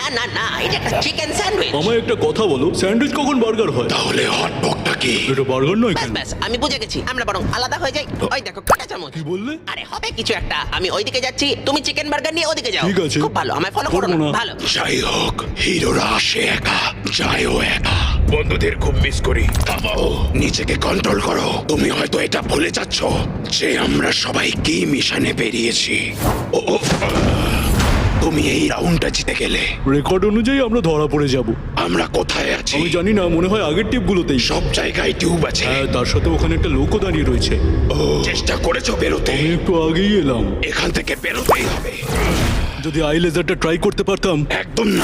না না, এটা একটা চিকেন স্যান্ডউইচ। আমায় একটা কথা বলো, স্যান্ডউইচ কখন বার্গার হয়? তাহলে হট ডগটা কি? এটা বার্গার নয় ব্যাস কেন? ব্যাস, আমি বুঝে গেছি, আমরা বরং আলাদা হয়ে যাই। ওই দেখো কাঁটা চামচ। কি বললে? আরে হবে কিছু একটা, আমি ওইদিকে যাচ্ছি, তুমি চিকেন বার্গার নিয়ে ওদিকে যাও। ঠিক আছে। খুব ভালো, আমায় ফলো করো করবো না। না। ভালো। যাই হোক, হিরোরা আসে একা, যায়ও একা। বন্ধুদের খুব মিস করি। থামাও, নিজেকে কন্ট্রোল করো। তুমি হয়তো এটা ভুলে যাচ্ছ যে আমরা সবাই কি মিশনে বেরিয়েছি। ও ও, তুমি এই রাউন্ডটা জিতে গেলে। রেকর্ড অনুযায়ী আমরা ধরা পড়ে যাব। আমরা কোথায় আছি? আমি জানি না, মনে হয় আগের টিপগুলোতেই। সব জায়গায় টিউব আছে। হ্যাঁ, তার সাথে ওখানে একটা লোকও দাঁড়িয়ে রয়েছে। চেষ্টা করেছো বেরোতে? আমি একটু আগেই এলাম। এখান থেকে বেরোতেই হবে। যদি আই লেজারটা ট্রাই করতে পারতাম। একদম না।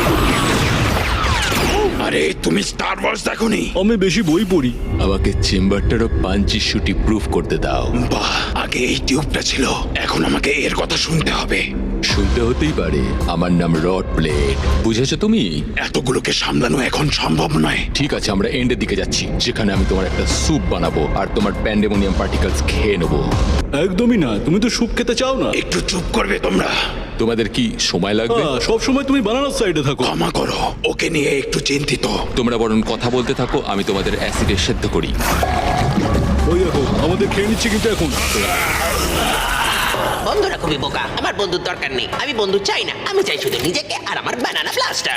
আরে তুমি স্টার ওয়ার্স দেখোনি? আমি বেশি বই পড়ি। আমাকে চেম্বারটারও পাঞ্চি শুটি প্রুফ করতে দাও। বাহ, আগে এই টিউবটা ছিল, এখন আমাকে এর কথা শুনতে হবে। শুনতে হতেই পারে। আমার নাম রড ব্লেড, বুঝেছো তুমি? এতগুলোকে সামলানো এখন সম্ভব নয়। ঠিক আছে, আমরা এন্ডের দিকে যাচ্ছি, যেখানে আমি তোমার একটা স্যুপ বানাবো আর তোমার প্যান্ডেমোনিয়াম পার্টিকেলস খেয়ে নেবো। একদমই না, তুমি তো স্যুপ খেতে চাও না। একটু চুপ করবে তোমরা? তোমাদের কি সময় লাগবে? সব সময় তুমি বানানোর সাইডে থাকো। ক্ষমা করো, ওকে নিয়ে একটু চিন্তিত। তোমরা বরং কথা বলতে থাকো, আমি তোমাদের অ্যাসিডে সেদ্ধ করি। ওই দেখো, আমাদের খেয়ে নিচ্ছে কিন্তু এখন। বন্ধুরা খুবই বোকা, আমার বন্ধুর দরকার নেই, আমি বন্ধু চাই না, আমি চাই শুধু নিজেকে আর আমার বানানা ব্লাস্টার।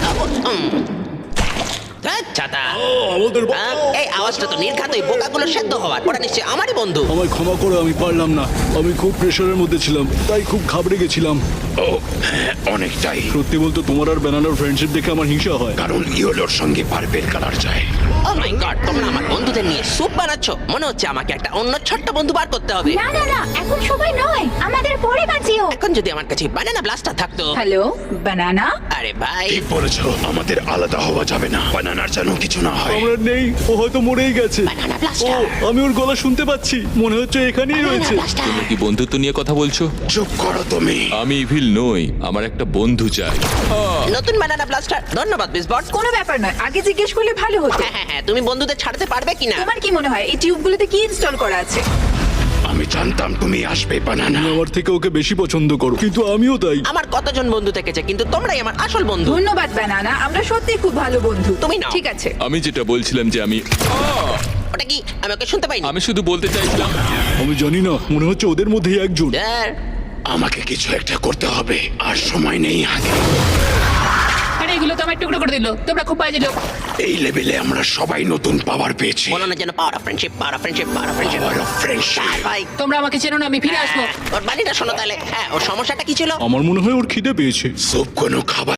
ছাতা। আমাদের এই আওয়াজটা তো নির্ঘাত ওই বোকাগুলো সেদ্ধ হওয়ার, ওরা নিশ্চয়ই আমারই বন্ধু। আমায় ক্ষমা করো, আমি পারলাম না। আমি খুব প্রেশারের মধ্যে ছিলাম, তাই খুব ঘাবড়ে গেছিলাম। ও হ্যাঁ, অনেকটাই। সত্যি বলতে তোমার আর ব্যানানার ফ্রেন্ডশিপ দেখে আমার হিংসা হয়। কারণ ইয়েলোর সঙ্গে পার্পেল কালার যায়। ও মাই গড, তোমরা আমার বন্ধুদের নিয়ে স্যুপ বানাচ্ছ? মনে হচ্ছে আমাকে একটা অন্য ছোট্ট বন্ধু বার করতে হবে। না না না, এখন সময় নয়, আমাদের পরে বাঁচিও। এখন যদি আমার কাছে বানানা ব্লাস্টার থাকতো। হ্যালো বানানা। আরে ভাই, ঠিক বলেছো, আমাদের আলাদা হওয়া যাবে না। বানানার যেন কিছু না হয়। আমরা নেই, ও হয়তো মরেই গেছে। বানানা ও, ব্লাস্টার। আমি ওর গলা শুনতে পাচ্ছি, মনে হচ্ছে এখানেই রয়েছে। তোমরা কি বন্ধুত্ব নিয়ে কথা বলছো? চুপ করো তুমি। আমি ইভিল নই, আমার একটা বন্ধু চাই। নতুন বানানা ব্লাস্টার, ধন্যবাদ বিসবট। কোনো ব্যাপার নয়, আগে জিজ্ঞেস করলে ভালো হতো। হ্যাঁ হ্যাঁ হ্যাঁ, তুমি বন্ধুদের ছাড়তে পারবে কিনা? তোমার কি মনে হয় এই টিউবগুলোতে কি ইনস্টল করা আছে? আমি জানতাম তুমি আসবে বানানা। তুমি আমার থেকে ওকে বেশি পছন্দ করো, কিন্তু আমিও তাই। আমার কতজন বন্ধু থেকেছে, কিন্তু তোমরাই আমার আসল বন্ধু। ধন্যবাদ বানানা, আমরা সত্যি খুব ভালো বন্ধু। তুমি নাও। ঠিক আছে। আমি যেটা বলছিলাম যে ওটা কি? আমি ওকে শুনতে পাইনি। আমি শুধু বলতে চাইছিলাম। আমি জানি না, মনে হচ্ছে ওদের মধ্যেই একজন। স্যার, আমাকে কিছু একটা করতে হবে, আর সময় নেই হাতে। আরে এগুলো তো আমার টুকরো করে দিল, তোমরা খুব বাজে লোক। এই লেভেলে আমরা সবাই নতুন পাওয়ার পেয়েছি। বলো না যেন power of friendship, power of friendship, power of friendship. Power of friendship। ভাই, তোমরা আমাকে চেনো না, আমি ফিরে আসবো। ওর বাড়িটা শোনো তাহলে। হ্যাঁ, ওর সমস্যাটা কি ছিল? আমার মনে হয় ওর খিদে পেয়েছে। সব কোনো খাবার